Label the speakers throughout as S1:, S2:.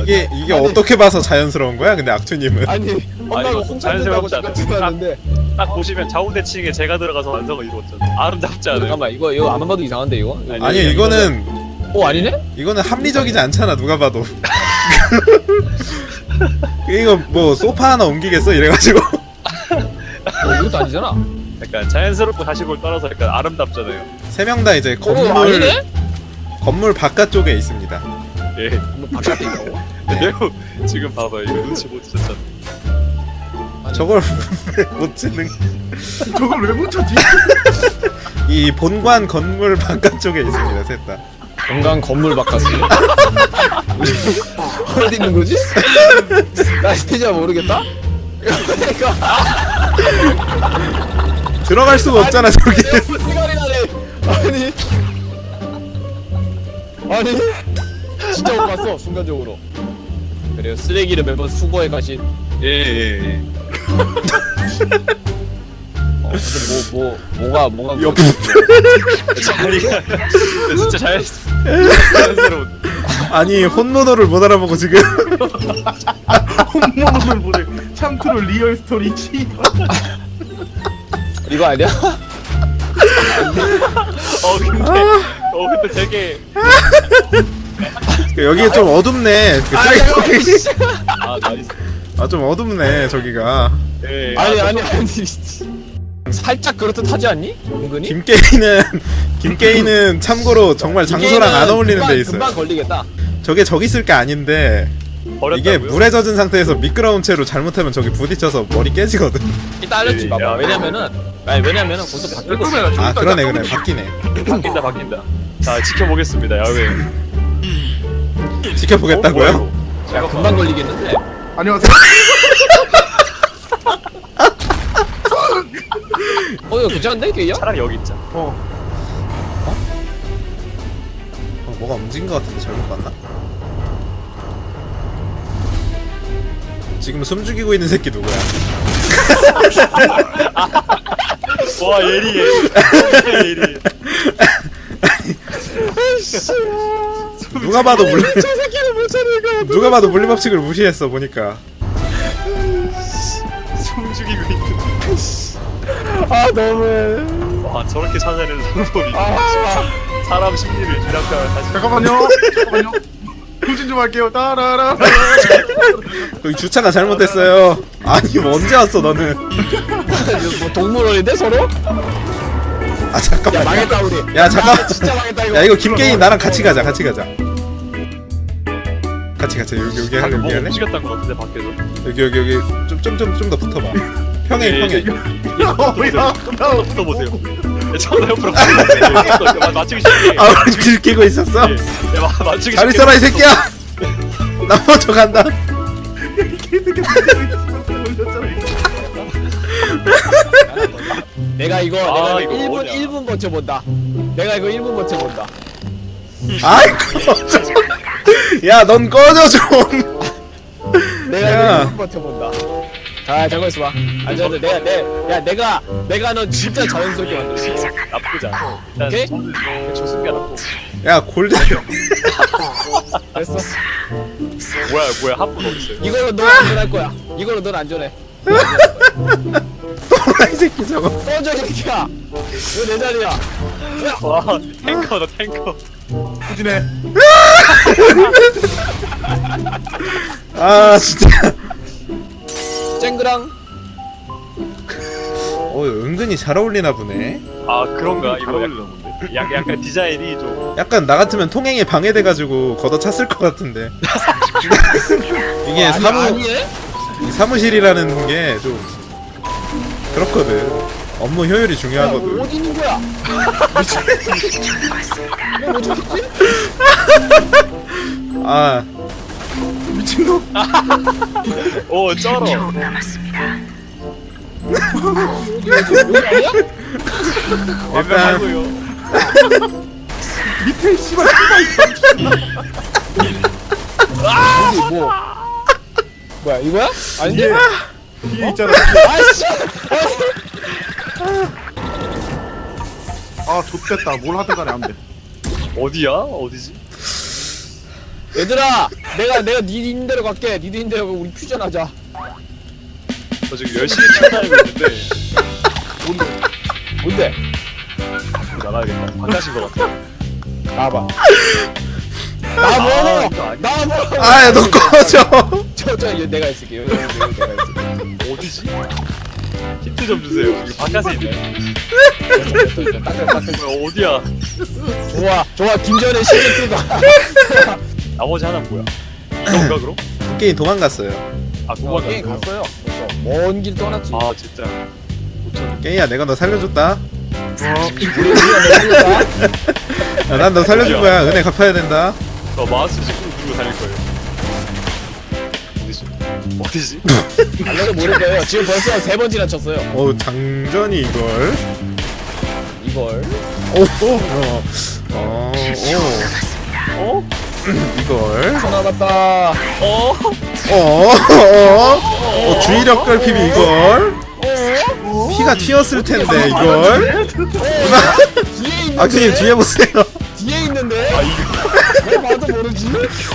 S1: 이게 어떻게 봐서 자연스러운 거야? 근데 악투님은
S2: 아니 엄마가 홍차된다고
S3: 자연스럽지
S2: 잠깐 들었는데
S3: 딱 보시면 좌우대칭에 제가 들어가서 완성을 이루었잖아. 아름답지 않아요?
S2: 잠깐만 이거 안 봐도 이상한데 이거?
S1: 아니 이거는
S2: 아니네?
S1: 합리적이지 않잖아 누가 봐도. 이거 뭐 소파 하나 옮기겠어 이래가지고.
S2: 이것도 아니잖아.
S3: 약간 자연스럽고 사실을 따라서 약간 아름답잖아요.
S1: 세 명 다 이제
S2: 아니네?
S1: 건물 바깥쪽에 있습니다.
S3: 예.
S2: 뭐 바깥에 있다고?
S3: 매우 지금 봐봐요. 이거 눈치 못 채셨잖아.
S1: 저걸 못 찍는.
S4: 저걸 왜 못 찾지?
S1: 이 본관 건물 바깥쪽에 있습니다 셋 다.
S2: 건강 건물 바깥이 어디 있는 거지? 나 진짜 모르겠다.
S1: 들어갈 수가 없잖아 저기.
S2: 시간이 나네. 아니 진짜 못 봤어 순간적으로. 그래요 쓰레기를 매번 수거해 가신.
S3: 예.
S2: 뭐가
S1: 옆.
S3: 진짜 자연스러운.
S1: 아니 혼모노를 못 알아보고 지금.
S4: 홈모노를 보래. 참트로 리얼 스토리 치.
S2: 이거 아니야?
S3: 근데 되게
S1: 여기 좀 어둡네. 그 쓰레기.
S3: 나이스.
S1: 좀 어둡네 저기가.
S3: 예.
S2: 아니 살짝 그렇듯 하지 않니? 은근히?
S1: 김게이는 참고로 정말 장소랑 안 어울리는 데 있어요.
S2: 금방 걸리겠다.
S1: 저게 저기 있을 게 아닌데
S3: 버렸다고요?
S1: 이게 물에 젖은 상태에서 미끄러운 채로 잘못하면 저기 부딪혀서 머리 깨지거든.
S2: 이따 알려주지 봐봐.
S3: 야.
S2: 왜냐면은 벌써 바뀌고 있어.
S1: 아 그러네 바뀌네.
S3: 바뀐다. 자 지켜보겠습니다. 야외.
S1: 지켜보겠다고요?
S2: 야 금방 걸리겠는데.
S4: 안녕하세요.
S2: 이거 괜찮은데 게이야?
S3: 차라리 여기 있자.
S1: 뭐가 움직인 것 같은데 잘못 봤나? 지금 숨죽이고 있는 새끼 누구야?
S3: 와 예리해. 예리해.
S1: 누가 봐도 물리
S2: 저 새끼를 못 찾을까?
S1: 누가 봐도 물리법칙을 무시했어 보니까.
S3: 숨죽이고 있는.
S2: 아 너무해.
S3: 와 저렇게 찾아내는 방법이.
S2: 아.
S3: 사람 심리를 뒤락가면 사실.
S4: 잠깐만요. 후진 좀 할게요. 따라라.
S1: 여기 주차가 잘못됐어요. 아니 뭐 언제 왔어 너는?
S2: 뭐 동물원인데 서로?
S1: 아 잠깐만.
S2: 야 망했다 우리.
S1: 야 잠깐.
S2: 진짜 망했다 이거.
S1: 야 이거 김게임 나랑 같이 가자. 같이 가자 여기 할래 여기 할래?
S3: 움직였던 것 같은데 밖에서.
S1: 여기 좀 더 붙어봐. 평행.
S3: 붙어보세요. 저도 옆으로 붙어보세요. 맞추기 쉽게.
S1: 아 들키고 있었어?
S3: 맞추기
S1: 잘 있어라 이 새끼야. 나 먼저 간다.
S2: 내가 이거 1분 버텨본다. 내가 이거 1분 버텨본다.
S1: 아이 꺼져. 야넌 꺼져 좀.
S2: 내가
S1: 야.
S2: 이거 1분 버텨본다. 자 잠깐 있어봐. 앉아도 내가 너 진짜 자연스럽게 만들어.
S3: 나쁘지 않아. 일단
S2: 오케이?
S3: 저는 조승가 나쁘고.
S1: 야 골드.
S2: 됐어.
S3: 뭐야 한분 어딨어요?
S2: 이걸로 너 안전할 거야. 이걸로 넌 안전해.
S1: 이 새끼 저거.
S2: 꺼져 이 새끼야. 이거 내 자리야.
S3: 와 탱커다 탱커.
S4: 후진해.
S1: 아 진짜.
S2: 쨍그랑.
S1: 은근히 잘 어울리나 보네.
S3: 아 그런가 이거 약간 디자인이 좀.
S1: 약간 나 같으면 통행에 방해돼가지고 걷어찼을 것 같은데. 이게 사무실이라는 게 좀 그렇거든. 업무 효율이 중요하거든.
S2: 어디 있는 거야? 뭐 어떻게?
S1: 아
S4: 미친놈.
S3: 오 쩔어.
S2: 여기 아니야?
S3: 완벽하고요.
S4: 밑에 씨발
S2: 여기 뭐야 이거야? 아닌데?
S4: 뒤에 있잖아.
S2: 아이씨!
S4: 아 좆됐다. 뭘 하든 간에 안 돼.
S3: 어디야? 어디지?
S2: 얘들아 내가 니 있는 대로 갈게. 니도 있는 대로 가고 우리 퓨전하자.
S3: 저 지금 열심히 튀어나오고 있는데
S2: 뭔데?
S3: 나가야겠다. 바깥인 것 같아.
S2: 나와봐.
S3: 이거
S2: 나와봐.
S3: 아니야.
S2: 나와봐.
S1: 아야 너 꺼져.
S2: 저 내가 있을게. 여기 내가 있을게.
S3: 어디지? 힌트 좀 주세요. 이거 바깥에 있네. 뭐야, 어디야?
S2: 좋아 김전의 시즌2가
S3: 나머지 하나 뭐야? 뭔가 그럼?
S1: 게임 도망갔어요.
S3: 아
S2: 게임
S3: 도망갔어.
S2: 갔어요. 먼 길 떠났지.
S3: 아 진짜.
S1: 게임야 내가 너 살려줬다.
S2: 우리가 살렸다.
S1: 난 너 살려준 거야. 은혜 갚아야 된다.
S3: 저 마우스 찍고 누르고 달릴 거예요. 어디지? 어디지?
S2: 알려도 모를 거예요. 지금 벌써 3번 지나쳤어요.
S1: 어우 장전이 이걸.
S2: 이걸.
S3: 어?
S1: 이걸.
S2: 하나 남았다.
S1: 주의력 결핍이 이걸. 피가 튀었을 텐데 이걸.
S2: 뒤에 있는데.
S1: 아크님 뒤에 보세요.
S2: 뒤에 있는데.
S3: 아 이거.
S2: 왜 봐도 모르지?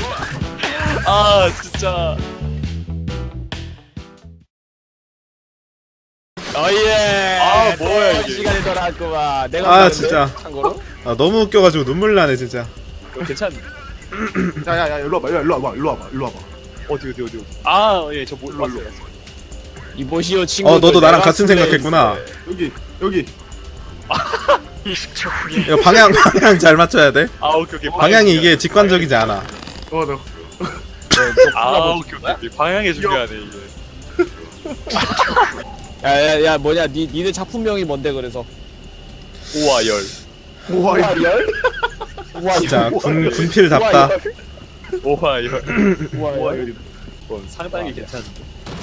S3: 아 진짜.
S2: 어예.
S3: 아, 뭐야, 이게.
S2: 시간이 돌아왔구만. 내가
S1: 아,
S2: 봤는데,
S1: 진짜.
S2: 참고로.
S1: 아 너무 웃겨가지고 눈물 나네 진짜.
S3: 이거 괜찮네.
S4: 야야야 일로 와봐 일로 와봐.
S3: 어디. 아 예, 저 뭐, 봤어요.
S2: 이보시오 친구.
S1: 너도 나랑 같은 생각했구나.
S4: 여기
S1: 이거 방향 잘 맞춰야 돼.
S3: 아 오케이.
S1: 방향이 이게 직관적이지 않아.
S4: 너
S3: 아 오케이. 방향이 중요하네 이게.
S2: 야야야 뭐냐 니네 작품명이 뭔데 그래서.
S3: 오와 열.
S4: 우와
S2: 열?
S1: 진짜 군필답다.
S3: 오와 열.
S2: 우와 열.
S3: 상당히 괜찮은데.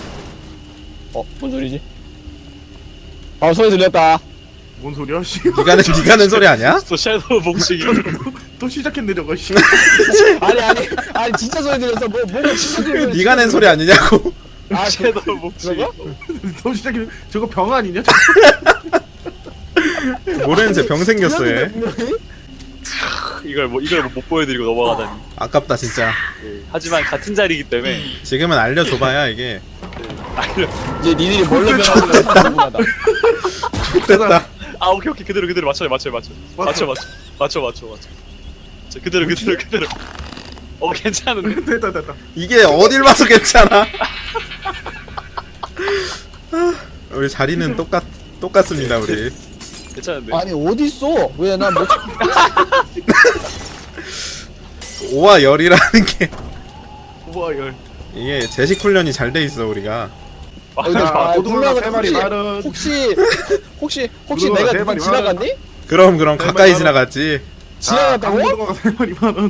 S2: 뭔 소리지? 소리 들렸다.
S4: 뭔 소리야 씨.
S1: 네가 낸 소리 아니야?
S3: 또 섀도우 복식이.
S4: 또 시작했네 저거 씨.
S2: 아니 진짜 소리 들렸어. 뭐가 진짜 소리.
S1: 네가 낸 소리 아니냐고.
S3: 섀도우 복식이.
S2: 그거?
S4: 또 시작했네. 저거 병 아니냐?
S1: 모르는 새 병 생겼어 얘.
S3: 이걸 못 보여드리고 넘어가다니.
S1: 아깝다 진짜.
S3: 하지만 같은 자리이기 때문에
S1: 지금은 알려줘봐야 이게.
S3: 알려.
S2: 이제 니들이 뭘로 변하는지 궁금하다.
S1: 됐다.
S3: 아 오케이 그대로 맞춰. 자, 그대로. 괜찮은데.
S4: 됐다.
S1: 이게 어딜 봐서 괜찮아. 우리 자리는 똑같습니다 우리.
S3: 괜찮은데.
S2: 아니 어딨어? 왜 나 뭐?
S1: 5와 열이라는 게
S4: 우와 열.
S1: 이게 제식 훈련이 잘 돼 있어 우리가.
S4: 자, 고등어가 세 마리 말은
S2: 혹시
S4: 고등어가
S2: 내가
S4: 세
S2: 누구
S4: 마리
S2: 지나갔니?
S1: 그럼
S4: 네,
S1: 가까이
S4: 말로.
S1: 지나갔지.
S2: 지나갔다고?
S4: 강고등어가 세 마리 만원.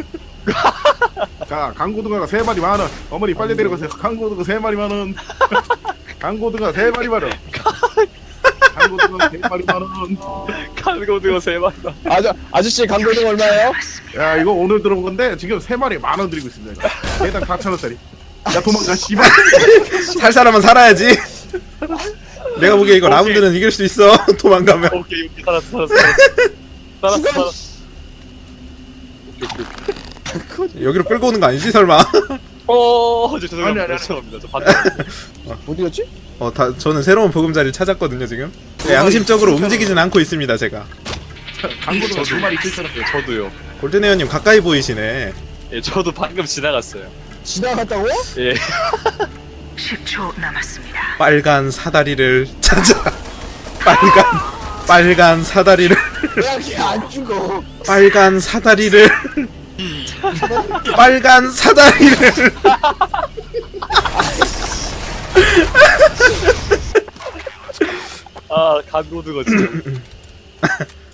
S4: 자, 강고등어가 세 마리 만원. 어머니 빨리 데려가세요. 강고등어 세 마리 만원. 강고등어 세 마리 만원. 강고등어 세 마리 만원.
S3: 간고등어 3마리.
S2: 아저씨 강도등 얼마예요?
S4: 야, 이거 오늘 들어온 건데 지금 세 마리 만원 드리고 있습니다. 이거. 개당 4,000원짜리. 야, 도망가 씨발.
S1: 살 사람은 살아야지. 내가 보기에 이거
S3: 오케이.
S1: 라운드는 이길 수 있어. 도망가면.
S3: 오케이 살았어.
S1: 여기로 끌고 오는 거 아니지 설마?
S3: 죄송합니다.
S4: 아니.
S3: 죄송합니다. 저 반대.
S2: 어디 갔지?
S1: 저는 새로운 보금자리를 찾았거든요 지금. 양심적으로 움직이진 않고 있습니다 제가.
S4: 강고등어 두 마리 7,000원.
S3: 예, 저도요.
S1: 골든에어님 가까이 보이시네.
S3: 예, 저도 방금 지나갔어요.
S2: 지나갔다고?
S3: 예.
S5: 10초 남았습니다.
S1: 빨간 사다리를 찾아. 빨간 사다리를.
S2: 왜 이렇게 안 죽어?
S1: 빨간 사다리를. 빨간 사다리를.
S3: 아, 간고등어 진짜.